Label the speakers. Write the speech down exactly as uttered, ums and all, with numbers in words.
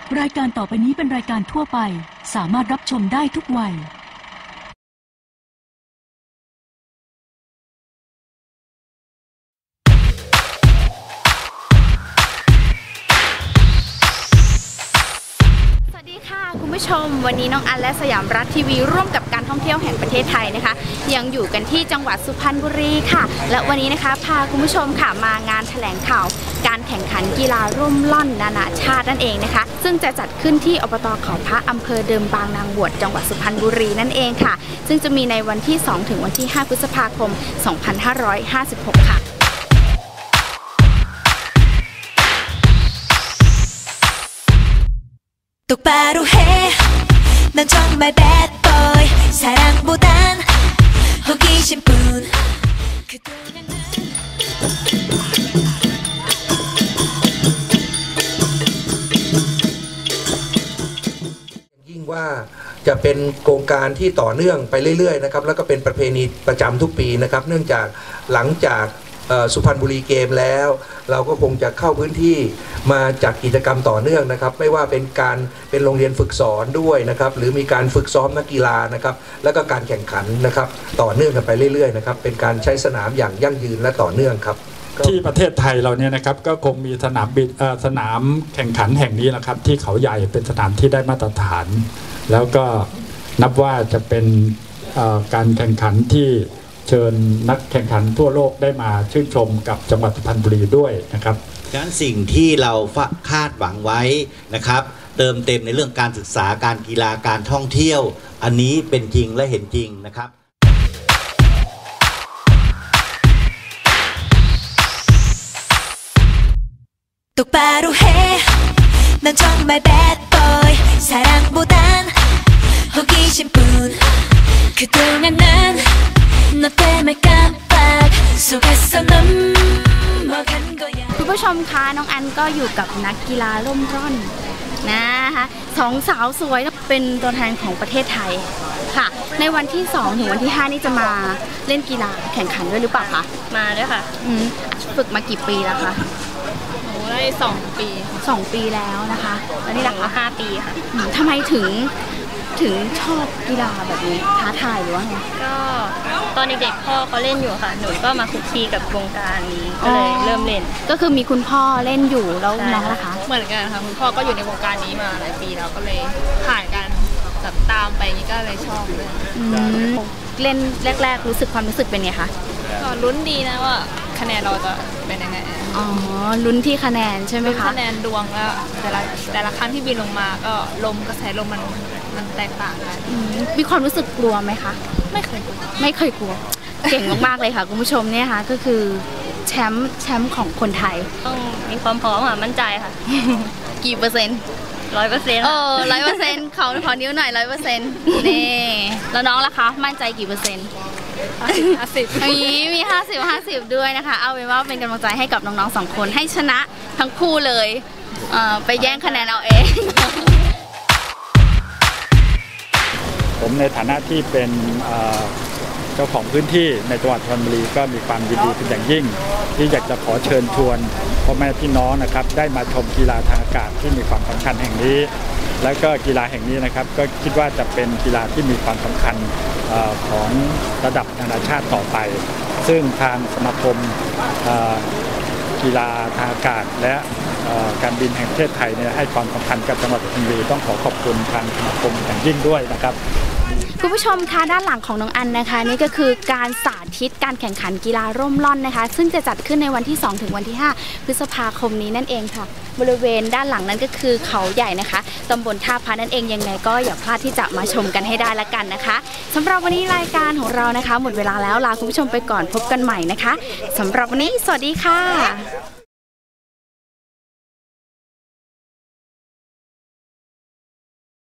Speaker 1: รายการต่อไปนี้เป็นรายการทั่วไปสามารถรับชมได้ทุกวัย
Speaker 2: คุณผู้ชมวันนี้น้องอันและสยามรัฐทีวีร่วมกับการท่องเที่ยวแห่งประเทศไทยนะคะยังอยู่กันที่จังหวัดสุพรรณบุรีค่ะและวันนี้นะคะพาคุณผู้ชมค่ะมางานแถลงข่าวการแข่งขันกีฬาร่มล่อนนานาชาตินั่นเองนะคะซึ่งจะจัดขึ้นที่อบต.เขาพระอำเภอเดิมบางนางบวชจังหวัดสุพรรณบุรีนั่นเองค่ะซึ่งจะมีในวันที่สองถึงวันที่ห้าพฤษภาคมสองพันห้าร้อยห้าสิบหกค่ะ
Speaker 3: 똑바로 해 넌 정말 bad boy 사랑보단 호기심뿐 그동안은
Speaker 4: ยิ่งว่าจะเป็นโครงการที่ต่อเนื่องไปเรื่อยๆนะครับแล้วก็เป็นประเพณีประจำทุกปีนะครับเนื่องจากหลังจากสุพรรณบุรีเกมแล้วเราก็คงจะเข้าพื้นที่มาจัดกิจกรรมต่อเนื่องนะครับไม่ว่าเป็นการเป็นโรงเรียนฝึกสอนด้วยนะครับหรือมีการฝึกซ้อมนักกีฬานะครับแล้วก็การแข่งขันนะครับต่อเนื่องกันไปเรื่อยๆนะครับเป็นการใช้สนามอย่างยั่งยืนและต่อเนื่องครับ
Speaker 5: ที่ประเทศไทยเราเนี่ยนะครับก็คงมีสนามบินสนามแข่งขันแห่งนี้นะครับที่เขาใหญ่เป็นสนามที่ได้มาตรฐานแล้วก็นับว่าจะเป็นการแข่งขันที่เชิญนักแข่งขันทั่วโลกได้มาชื่นชมกับจังหวัดสุพรรณบุรีด้วยนะครับ
Speaker 6: ฉะนั้นสิ่งที่เราคาดหวังไว้นะครับเติมเต็มในเรื่องการศึกษาการกีฬาการท่องเที่ยวอันนี้เป็นจริงและเห็นจริงนะครับ
Speaker 3: 똑바로 해 넌 정말 bad boy 사랑보단 호기심뿐 그동안 난 너 때문에 깜빡 속았어 넘어간 거야
Speaker 2: คุณผู้ชมคะน้องอันก็อยู่กับนักกีฬาร่มร่อนนะคะสองสาวสวยเป็นตัวแทนของประเทศไทยค่ะในวันที่สองถึงวันที่ห้านี่จะมาเล่นกีฬาแข่งขันด้วยหรือเปล่าคะ
Speaker 7: มาด้วยค่ะ
Speaker 2: ฝึกมากี่ปีแล้วคะ
Speaker 7: โอ้ได้สองปี
Speaker 2: สองปีแล้วนะคะแล้วนี่ล่ะคะ
Speaker 7: ห้าปีค่ะ
Speaker 2: ทำไมถึงถึงชอบกีฬาแบบนี้ท้าทายหรือว่าไง
Speaker 7: ก็ตอนเด็กๆพ่อเขาเล่นอยู่ค่ะหนูก็มาคุกคีกับวงการนี้ก็เลยเริ่มเล่น
Speaker 2: ก็คือมีคุณพ่อเล่นอยู่แล้วน้องล่ะคะ
Speaker 7: เหมือนกันค่ะคุณพ่อก็อยู่ในวงการนี้มาหลายปีแล้วก็เลยผ่านการแบบตามไปนี้ก็เลยชอบเลย
Speaker 2: เล่นแรกๆรู้สึกความรู้สึกเป็นไงคะ
Speaker 7: ก็ลุ้นดีนะว่าคะแนนเราจะเป็นยังไง
Speaker 2: อ๋อลุ้นที่คะแนนใช่ไหมคะ
Speaker 7: คะแนนดวงแล้วแต่ละแต่ละครั้งที่บินลงมาก็ลมกระแสลมมันมันแตกต่างกัน
Speaker 2: มีความรู้สึกกลัวไหมคะ
Speaker 7: ไม่เคยกลัว
Speaker 2: ไม่เคยกลัวเก่งมากๆเลยค่ะคุณผู้ชมเนี่ยค่ะก็คือแชมป์แชมป์ของคนไทย
Speaker 7: ต้องมีความพร้อมค่ะมั่นใจค่ะ
Speaker 2: กี่เปอร์เซ็นต์
Speaker 7: ร้อยเปอร์เซ็นต์
Speaker 2: เออร้อยเปอร์เซ็นต์เขาขอนิ้วหน่อยร้อยเปอร์เซ็นต์นี่แล้วน้องล่ะคะมั่นใจกี่เปอร์เซ็นต์
Speaker 7: ห้าสิบ
Speaker 2: มีห้าสิบห้าสิบด้วยนะคะเอาเป็นว่าเป็นกำลังใจให้กับน้องๆสองคนให้ชนะทั้งคู่เลยไปแย่งคะแนนเอาเอง
Speaker 5: ผมในฐานะที่เป็นเจ้าของพื้นที่ในจังหวัดสุพรรณบุรีก็มีความยินดีเป็นอย่างยิ่งที่อยากจะขอเชิญชวนพ่อแม่พี่น้องนะครับได้มาชมกีฬาทางอากาศที่มีความสำคัญแห่งนี้และก็กีฬาแห่งนี้นะครับก็คิดว่าจะเป็นกีฬาที่มีความสำคัญของระดับนานาชาติต่อไปซึ่งทางสมาคมกีฬาทางอากาศและการบินแห่งประเทศไทยเนี่ยให้ความสำคัญกับจังหวัดสุพรรณบุรีต้องขอขอบคุณทางสมาคมอย่างยิ่งด้วยนะครับ
Speaker 2: คุณผู้ชมคะด้านหลังของน้องอันนะคะนี่ก็คือการสาธิตการแข่งขันกีฬาร่มร่อนนะคะซึ่งจะจัดขึ้นในวันที่สองถึงวันที่ห้าพฤษภาคมนี้นั่นเองค่ะบริเวณด้านหลังนั้นก็คือเขาใหญ่นะคะตำบลท่าพระนั่นเองยังไงก็อย่าพลาดที่จะมาชมกันให้ได้ละกันนะคะสำหรับวันนี้รายการของเรานะคะหมดเวลาแล้วลาคุณผู้ชมไปก่อนพบกันใหม่นะคะสำหรับวันนี้สวัสดีค่ะ